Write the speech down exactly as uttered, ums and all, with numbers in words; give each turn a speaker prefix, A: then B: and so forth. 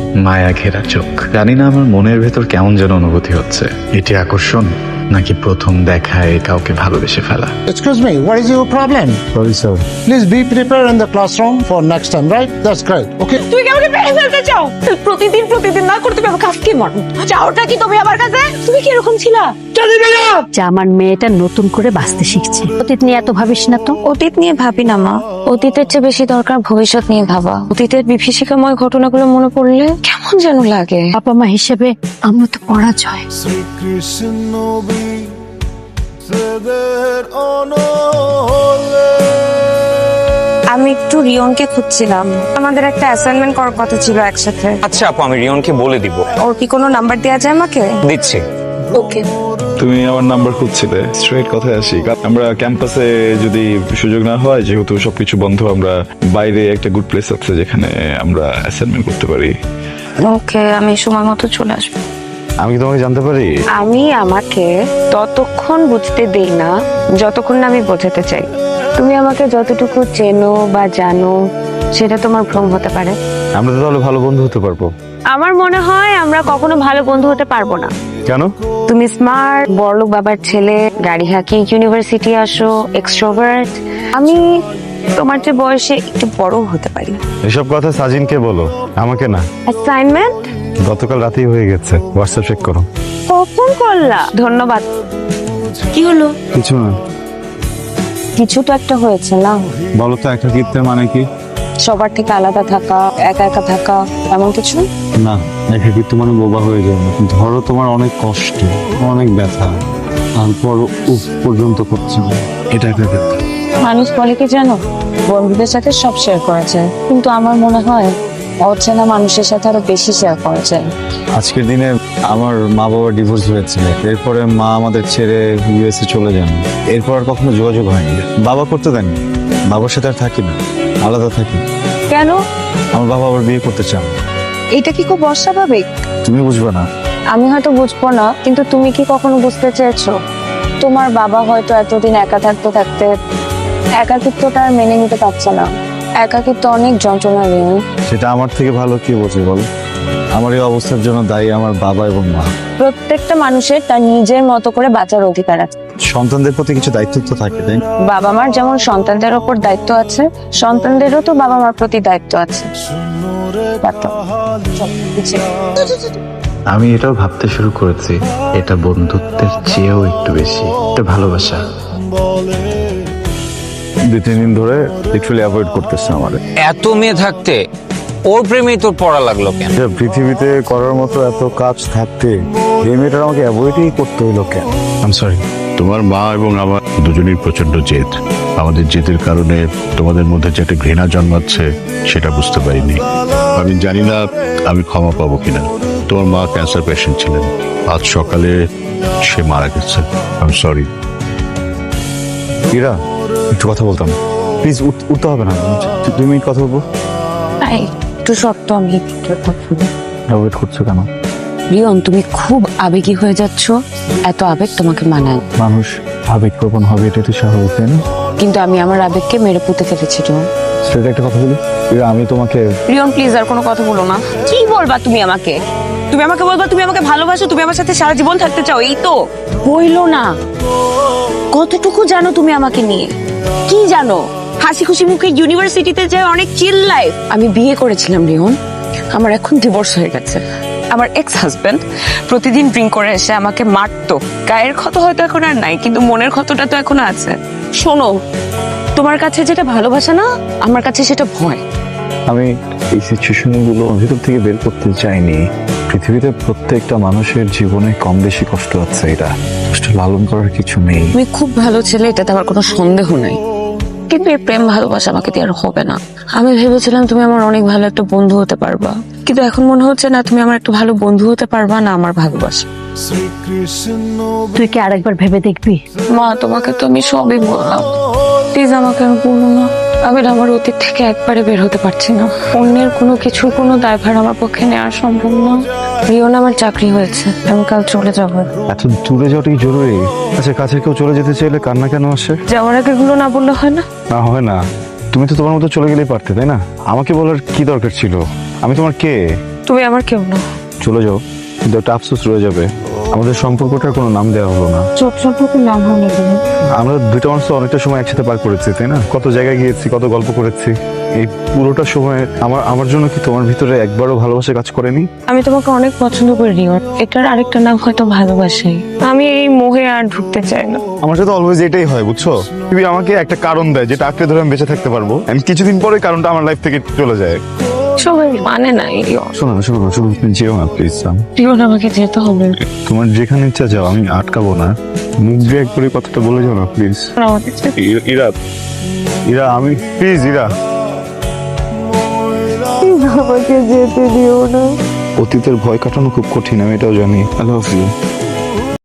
A: মায়া ঘেরা চোখ। জানি না আমার মনের ভেতর কেমন যেন অনুভূতি হচ্ছে। এটি আকর্ষণ নাকি প্রথম দেখায় কাউকে ভালোবেসে ফেলা?
B: Excuse me, what is your problem?
A: Sorry sir.
B: Please be prepared in the classroom for next time, right? That's great. Okay.
C: তুমি কি আমাকে মেরে ফেলতে চাও? প্রতিদিন প্রতিদিন না করে তুমি আমাকে আজকে মারো। চাওটা কি তুমি আমার কাছে? তুমি কি এরকম ছিলা? চলে গেলো।
D: যে আমার মেয়েটা নতুন করে বাঁচতে শিখছে। অতীত নিয়ে এত ভাবিস না তো।
C: অতীত নিয়ে ভাবি না মা, অতীতের চেয়ে বেশি দরকার ভবিষ্যৎ নিয়ে ভাবা। অতীতের বিভীষিকাময় ঘটনাগুলো মনে পড়লে কেমন যেন লাগে।
D: বাবা মা হিসেবে আমরা তো পরাজয়।
C: আমি একটু রিয়নকে খুঁজছিলাম, আমাদের একটা অ্যাসাইনমেন্ট করার কথা ছিল একসাথে।
E: আচ্ছা আপু, আমি রিয়নকে বলে দিব।
C: ওর কি কোনো নাম্বার দেওয়া যায় আমাকে?
E: দিচ্ছি।
C: ওকে।
F: তুমি আমার নাম্বার খুঁজছিলে, স্ট্রেট কথায় আসি। আমরা ক্যাম্পাসে যদি সুযোগ না হয়, যেহেতু সবকিছু বন্ধ, আমরা বাইরে একটা গুড প্লেস আছে যেখানে আমরা অ্যাসাইনমেন্ট করতে পারি।
C: ওকে, আমি সময় মতো চলে আসবো।
F: আমি কি তোমাকে জানতে পারি?
C: আমি আমাকে ততক্ষণ বুঝতে দেই না যতক্ষণ না আমি বোঝাতে চাই। তুমি আমাকে যতটুকু চেনো বা জানো সেটা তোমার ভ্রম হতে পারে।
F: আমরা তো তাহলে ভালো বন্ধু হতে পারবো।
C: আমার মনে হয় আমরা কখনো ভালো বন্ধু হতে পারবো না।
F: কেন?
C: তুমি স্মার্ট, বড়লোক বাবার ছেলে, গাড়ি হাঁকি ইউনিভার্সিটি আসো, এক্সট্রোভার্ট। আমি তোমার যে বয়সে একটু বড় হতে পারি।
F: এসব কথা সাজিনকে বলো, আমাকে না।
C: অ্যাসাইনমেন্ট
F: গতকাল রাতেই হয়ে গেছে, হোয়াটসঅ্যাপ চেক করো।
C: কখন করলা? ধন্যবাদ। কি হলো?
F: কিছু না।
C: কিছু তো একটা হয়েছে না?
F: বলো তো একাকিত্বের মানে কি?
C: সবার থেকে আলাদা থাকা, একা একা থাকা, এমন কিছু?
F: না, একাকিত্ব মানে বোবা হয়ে যাও। ধরো তোমার অনেক কষ্ট, অনেক ব্যথা, তারপর উপ পর্যন্ত করছে না, এটা একাকিত্ব।
C: মানুষ বলে কি জানো, বন্ধুদের সাথে সব শেয়ার করা যায়, কিন্তু আমার মনে হয় অচেনা মানুষের সাথে আরো বেশি শেয়ার করা যায়।
F: আজকের দিনে আমার মা বাবার ডিভোর্স হয়েছিল, এরপরে মা আমাদের ছেড়ে ইউএসএ চলে যান। এরপর আর কখনো যোগাযোগ হয়নি। বাবা করতে দেননি, বাবার সাথে আর থাকি না, আলাদা থাকি।
C: কেন?
F: আমার বাবা আবার বিয়ে করতে চান।
C: এটা কি খুব অস্বাভাবিক?
F: তুমি বুঝবে না।
C: আমি হয়তো বুঝবো না, কিন্তু তুমি কি কখনো বুঝতে চেয়েছো তোমার বাবা হয়তো এতদিন একা থাকতে থাকতে একাকিত্বটা আর মেনে নিতে পারছে না। একাকিত্ব অনেক যন্ত্রণা রিয়ন।
F: সেটা আমার থেকে ভালো কি বোঝে বলো? আমার এই অবস্থার জন্য দায়ী আমার বাবা এবং মা।
C: প্রত্যেকটা মানুষের তার নিজের মতো করে বাঁচার অধিকার আছে।
F: সন্তানদের প্রতি কিছু দায়িত্ব তো থাকে, তাই না?
C: বাবা মার যেমন সন্তানদের ওপর দায়িত্ব আছে, সন্তানদেরও তো বাবা মার প্রতি দায়িত্ব আছে।
A: আমি এটাও ভাবতে শুরু করেছি, এটা বন্ধুত্বের চেয়েও একটু বেশি, এটা ভালোবাসা।
F: দুই তিন দিন ধরে লিটারালি অ্যাভয়েড করতেছে আমারে।
E: এত মেয়ে থাকতে ওর প্রেমেই তোর পড়া লাগলো কেন?
F: যে পৃথিবীতে করার মতো এত কাজ থাকতে এই মেয়েটার আমাকে অ্যাভয়েডই করতে হইলো কেন? I am sorry.
G: তোমার মা এবং আমার দুজনেই প্রচন্ড জেদ। আমাদের জেদের কারণে তোমাদের মধ্যে যে একটা ঘৃণা জন্মাচ্ছে সেটা বুঝতে পারিনি। আমি জানি না আমি ক্ষমা পাবো কিনা। তোমার মা ক্যান্সার পেশেন্ট ছিলেন, আজ সকালে সে মারা গেছে। I am sorry.
F: ইরা, একটু কথা বলতাম, প্লিজ। উঠতে হবে না, দুই মিনিট কথা বলবো।
C: একটু শর্ত আমি
F: অ্যাভয়েড করছো কেন?
C: রিয়ন, তুমি খুব আবেগী হয়ে যাচ্ছ। এত আবেগ তোমাকে মানায়।
F: মানুষ আবেগপ্রবণ হবে, এটা তো স্বাভাবিক, তাই না?
C: কিন্তু আমি আমার আবেগকে মেরে পুঁতে ফেলেছি রিয়ন।
F: সেটা একটা কথা বলি, ইরা, আমি তোমাকে।
C: রিয়ন প্লিজ আর কোনো কথা বলো না। কি বলবা তুমি আমাকে? তুমি আমাকে বলবা তুমি আমাকে ভালোবাসো, তুমি আমার সাথে সারা জীবন থাকতে চাও, এই তো? বইলো না। কতটুকু জানো তুমি আমাকে নিয়ে? কি জানো? হাসি খুশি মুখে ইউনিভার্সিটিতে যায়, অনেক চিল লাইফ। আমি বিয়ে করেছিলাম রিয়ন, আমার এখন ডিভোর্স হয়ে গেছে। আমার এক্স হাজবেন্ড প্রতিদিন ড্রিঙ্ক করে এসে আমাকে মারতো। গায়ের ক্ষত হয়তো এখন আর নাই, কিন্তু মনের ক্ষতটা তো এখনো আছে। শোনো, তোমার কাছে যেটা ভালোবাসা না, আমার কাছে সেটা ভয়।
F: আমি এই সিচুয়েশনগুলো ভিতর থেকে বের করতে চাইনি। পৃথিবীতে প্রত্যেকটা মানুষের জীবনে কম বেশি কষ্ট আছে, এটা কষ্ট লালন করার কিছু নেই।
C: তুমি খুব ভালো ছেলে, এটাতে আমার কোনো সন্দেহ নাই, কিন্তু এই প্রেম ভালোবাসা আমাকে দিয়ে আর হবে না। আমি ভেবেছিলাম তুমি আমার অনেক ভালো একটা বন্ধু হতে পারবা, কিন্তু এখন মনে হচ্ছে না তুমি আমার একটা ভালো বন্ধু হতে পারবা না আমার ভালোবাসা।
D: তুই কি আরেকবার ভেবে দেখবি?
C: মা, তোমাকে তো আমি সবই বললাম, প্লিজ আমাকে আমি বলবো না। আমি আমার অতীত থেকে একবারে বের হতে পারছি না। অন্যের কোনো কিছু কোনো দায়ভার আমার পক্ষে নেওয়া সম্ভব না। রিয়ন, আমার চাকরি হয়েছে, আমি কাল চলে যাবো।
F: এত দূরে যাওয়াটাই জরুরি? আচ্ছা, কাছে কেউ চলে যেতে চাইলে কান্না কেন আসে?
C: যাওয়ার আগে এগুলো না বললে হয় না?
F: না, হয় না। তুমি তো তোমার মতো চলে গেলেই পারতে, তাই না? আমাকে বলার কি দরকার ছিল? আমি তোমার কে?
C: তুমি আমার কেউ না।
F: চলে যাও, কিন্তু একটা আফসোস রয়ে যাবে, আমাদের সম্পর্কটার কোনো নাম দেওয়া হলো না।
C: চোখ সম্পর্কে নাম হলো
F: আমরা দুইটা মানুষ তো অনেকটা সময় একসাথে পার করেছি, তাই না? কত জায়গায় গিয়েছি, কত গল্প করেছি। এই পুরোটা সময় আমার আমার জন্য কি তোমার ভিতরে একবারও ভালোবাসা কাজ করেনি?
C: আমি তোমাকে অনেক পছন্দ করি রিয়ন, এটার আরেকটা নাম হয়তো ভালোবাসাই। আমি এই মোহে আর ঢুকতে চাই না।
F: আমার সাথে অলওয়েজ এটাই হয়, বুঝছো? তুমি আমাকে একটা কারণ দেয় যেটা আঁকড়ে ধরে আমি বেঁচে থাকতে পারবো, আমি কিছুদিন পরে কারণটা আমার লাইফ থেকে চলে যায়।
C: সবাই মানে নাই রিয়ন।
F: শোনো না, শোনো না, শোনো, তুমি যেও না প্লিজ।
C: রিয়ন আমাকে যেতে হবে।
F: তোমার যেখানে ইচ্ছা যাও, আমি আটকাবো না। মুখ দিয়ে একবারে কথাটা বলে যাও না প্লিজ।
C: আমাকে যেতে-
F: ইরা, ইরা, আমি প্লিজ, ইরা।
C: আমাকে যেতে দিও না।
F: অতীতের ভয় কাটানো খুব কঠিন, আমি এটাও জানি। I love you.